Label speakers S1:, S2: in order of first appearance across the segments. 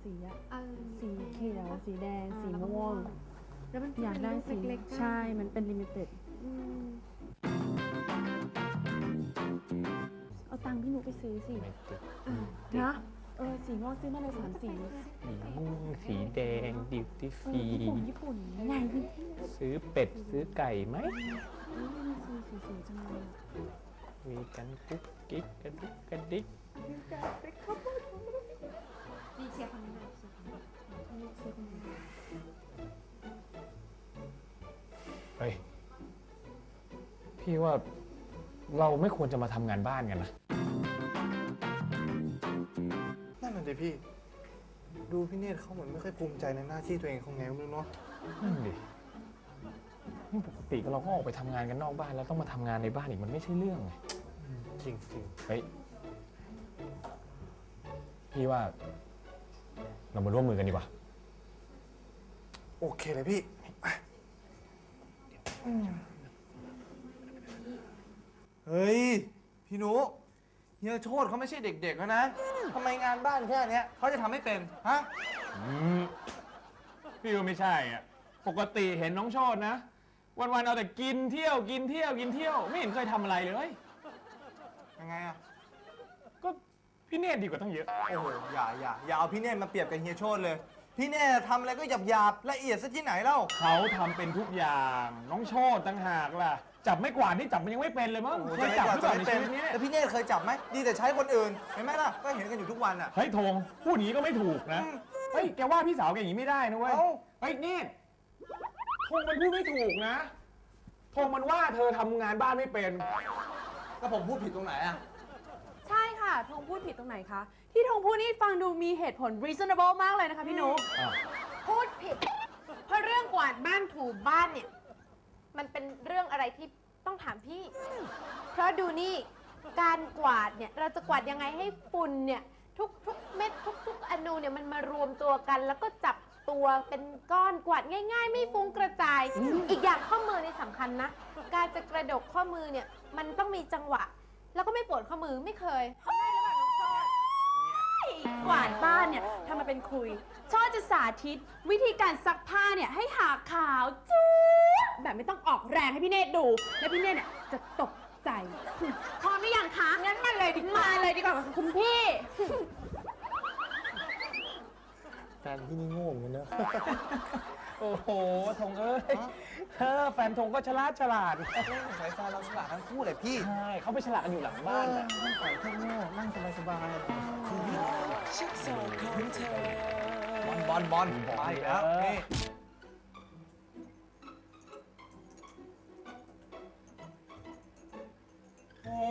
S1: สีอะสีเขียวสีแดงสีม่วง
S2: แล้วมัน
S1: อยากได้สี
S2: เล็กๆ
S1: ใช่มันเป็นลิมิเต็ดเอาตังค์พี่หนูไปซื้อสิ
S3: ไม่ติด
S1: นะสีม่วงซื้อมาเลย3 สี
S3: สีม่วงสีแดงดิวตี้ฟรี
S1: ญี่ปุ่นไงพี่
S3: ซื้อเป็ดซื้อไก่ไหม
S1: มีสีสวยๆจังเลย
S3: มีกันกุ๊กกิ๊กกระดุกกระดิก
S2: ดีเชียร์คนนี้เลย
S3: เฮ้ยพี่ว่าเราไม่ควรจะมาทำงานบ้านกันนะ
S4: นั่นน่ะดิพี่ ดูพี่เนตรเขาเหมือนไม่ค่อยภูมิใจในหน้าที่ตัวเองเขาไงไม่รู้เนาะ
S3: นั่นดินี่ปกติเราก็ออกไปทำงานกันนอกบ้านแล้วต้องมาทำงานในบ้านอีกมันไม่ใช่เรื่องไง
S4: จริงจริง
S3: เฮ้ยพี่ว่าเรามาร่วมมือกันดีกว่า
S4: โอเคเลยพี่เฮ้ยพี่หนูเฮียโชติเขาไม่ใช่เด็กๆแล้วนะทำไมงานบ้านแค่เนี้ยเขาจะทำไม่เป็นฮะ
S3: พี่ว่าไม่ใช่อ่ะปกติเห็นน้องโชตินะ วันๆเอาแต่กินเที่ยวกินเที่ยวกินเที่ยวไม่เห็นเคยทำอะไรเลย
S4: ยังไงอะ
S3: ก็พี่เนตรดีกว่าตั้งเยอะ
S4: โอ้โหอย่าเอาพี่เนตรมาเปรียบกับเฮียโชติเลย พี่เนตรทำอะไรก็หยาบละเอียดซะที่ไหนเล่า
S3: เขาทำเป็นทุกอย่างน้องโชติต่างหากล่ะจับไม่กวาดนี่จับมันยังไม่เป็นเลยมั้ง
S4: โอ้โห
S3: เคยจับหรือเปล่าใน
S4: เป็
S3: ชี
S4: น
S3: วิตนี้
S4: แล้วพี่เนตรเคยจับไหมดีแต่ใช้คนอื่นเห็นไหมล่ะก็เห็นกันอยู่ทุกวันอะ
S3: เฮ้ยธงพูดอย่างนี้ก็ไม่ถูกนะเฮ้ยแกว่าพี่สาวแกอย่างนี้ไม่ได้นะเว้ย
S4: เอ้า
S3: เฮ้ยเนตรธงมันพูดไม่ถูกนะธงมันว่าเธอทำงานบ้านไม่เป็น
S4: แล้วผมพูดผิดตรงไหนอะ
S1: ใช่ค่ะธงพูดผิดตรงไหนคะที่ธงพูดนี่ฟังดูมีเหตุผล reasonable มากเลยนะคะพี่นุ๊ก
S2: พูดผิด เพราะเรื่องกวาดบ้านถูบ้านเนี่ย มันเป็นเรื่องอะไรที่ต้องถามพี่ เพราะดูนี่การกวาดเนี่ยเราจะกวาดยังไงให้ฝุ่นเนี่ยทุกเม็ดทุกอนูเนี่ยมันมารวมตัวกัน แล้วก็จับตัวเป็นก้อนกวาดง่าย ๆ ไม่ฟุ้งกระจาย อีกอย่างข้อมือนี่สำคัญนะ การจะกระดกข้อมือเนี่ยมันต้องมีจังหวะ แล้วก็ไม่ปวดข้อมือไม่เคยทำได้หรือเปล่าน้องโชติ
S1: กวาดบ้านเนี่ยทำมาเป็นคุยชอบจะสาธิตวิธีการซักผ้าเนี่ยให้หาขาวจุ๊บแบบไม่ต้องออกแรงให้พี่เนตรดู แล้วพี่เนตรเนี่ยจะตกใจพร้อมหรือยังคะงั้นมาเลยดีกว่าค่ะคุณพี่
S4: แฟนพี่นี่โง่เหมือนกันเนอะ
S3: โอ้โหธงเอ้ยแฟนธงก็ฉลาด
S4: สายแฟนเราฉลาดทั้งคู่เลยพี่
S3: ใช่เขาไปฉลาดกันอยู่หลังบ้านน่ะ
S4: นั่งปล่อยพวกโง่นั่งสบายๆบอลไปแล้วนี่ โอ้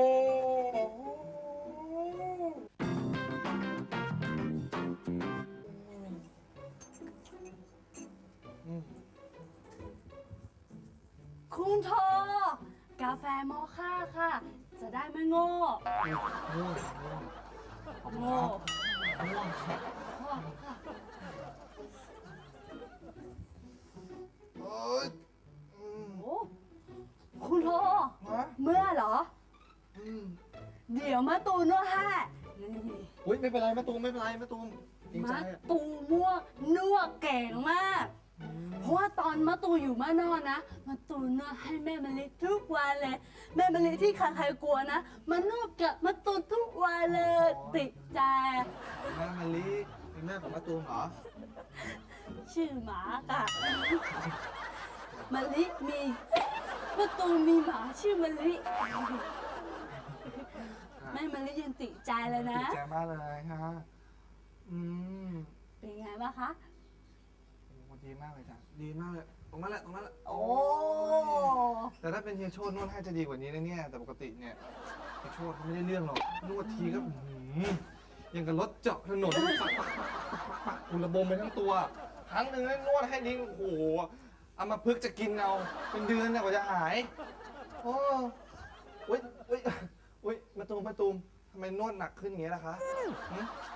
S1: คุณโทกาแฟมอค่าค่ะ จะได้ไม่โง่โง่
S4: เอ้ย
S1: โอ้คุณโท
S4: ฮะ
S1: เมื่อเหรอ
S4: อืม
S1: เดี๋ยวมาตูนวดให้นี่
S4: อุ้ยไม่เป็นไรมะตูมไม่เป็นไรมะตูมจริงใจ
S1: มา
S4: อะ
S1: ตูมั่วนวดเก่งมาก เพราะว่าตอนมาตูอยู่มานอนนะมาตูนวดให้แม่มะลิทุกวันเลย แม่มะลิที่ใครๆกลัวนะมานวดกับมาตูทุกวันเลยติดใจ
S4: แม่มะลิเป็นแม่ของมะตูมเหรอ
S1: ชื่อหมาค่ะมะลิมีมาตูมีหมาชื่อมะลิแม่มะลิยังติดใจเลยนะ
S4: ดีใจมากเลยฮะอืม
S1: เป็นไงบ้างคะ
S4: โอ้ดีมากเลยจ้ะดีมากเลยตรงนั้นแหละ
S1: โอ้
S4: แต่ถ้าเป็นเฮียโชตินวดให้จะดีกว่านี้นะเนี่ยแต่ปกติเนี่ยเฮียโชติเขาไม่ได้เรื่องหรอกนวดทีก็ยังกับรถเจาะถนนปักอุระบมไปทั้งตัว ครั้งหนึ่งนวดให้ดิ้งโอ้โหเอามาพึกษ์จะกินเอาเป็นเดือนนะกว่าจะหายโอ้อุ้ยมะตูมทำไมนวดหนักขึ้นอย่างเงี้ยล่ะคะหึ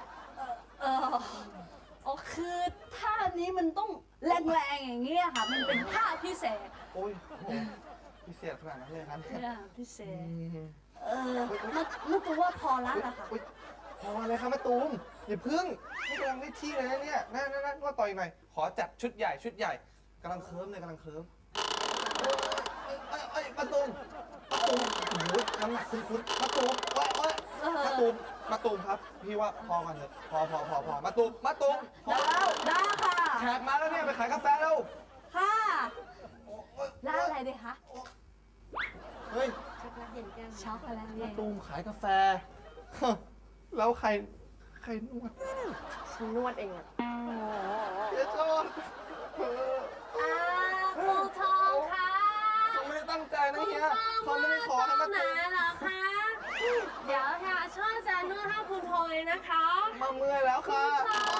S1: โอ้คือท่านี้มันต้องแรงๆอย่างเงี้ยค่ะ มันเป็นท่าพิเศษ
S4: โอ้ยพิเศษขนาดนั้นเลยครับ
S1: เนี่ยพิเศ
S4: อื
S1: ษ
S4: ม
S1: มันตัวว่าพอละล่ะค่ะ
S4: อุ๊ยพอเลยครับมะตูมอย่าพึ่งนี่กำลังได้ที่เลยนะเนี่ยนั่นนวดต่ออีกหน่อยขอจัดชุดใหญ่กำลังเคิร์มเลยกำลังเคิร์มเอ้ยมาตูมโอ้โหน้ำหนักคุ้นมาตูมมาตูมครับพี่ว่าพอกันเถอะพอมาตูมพอ
S1: ได้ค่ะ
S4: แขกมาแล้วเนี่ยไปขายกาแฟแล้ว
S1: ค่ะ
S4: โอ๊ย
S1: ร้านอะไรดีคะ
S4: เฮ้ย
S1: ช็อกโกแลตเย็นช็อกโกแลตเย็
S4: มาน ตูมขายกาแฟ แล้วใครนวด
S1: ฉันนวดเองอะ
S4: เฮียโชด
S1: ครูทองค่ะ
S4: เขาไม่ได้ตั้งใจนะเฮียเขาไม่ได้ขอให้มาตูม
S1: เหรอคะ เดี๋ยวค่ะช่วยจะนวดให้คุณทองเลยนะคะ
S4: มาเมื่อยแล้วค่ะ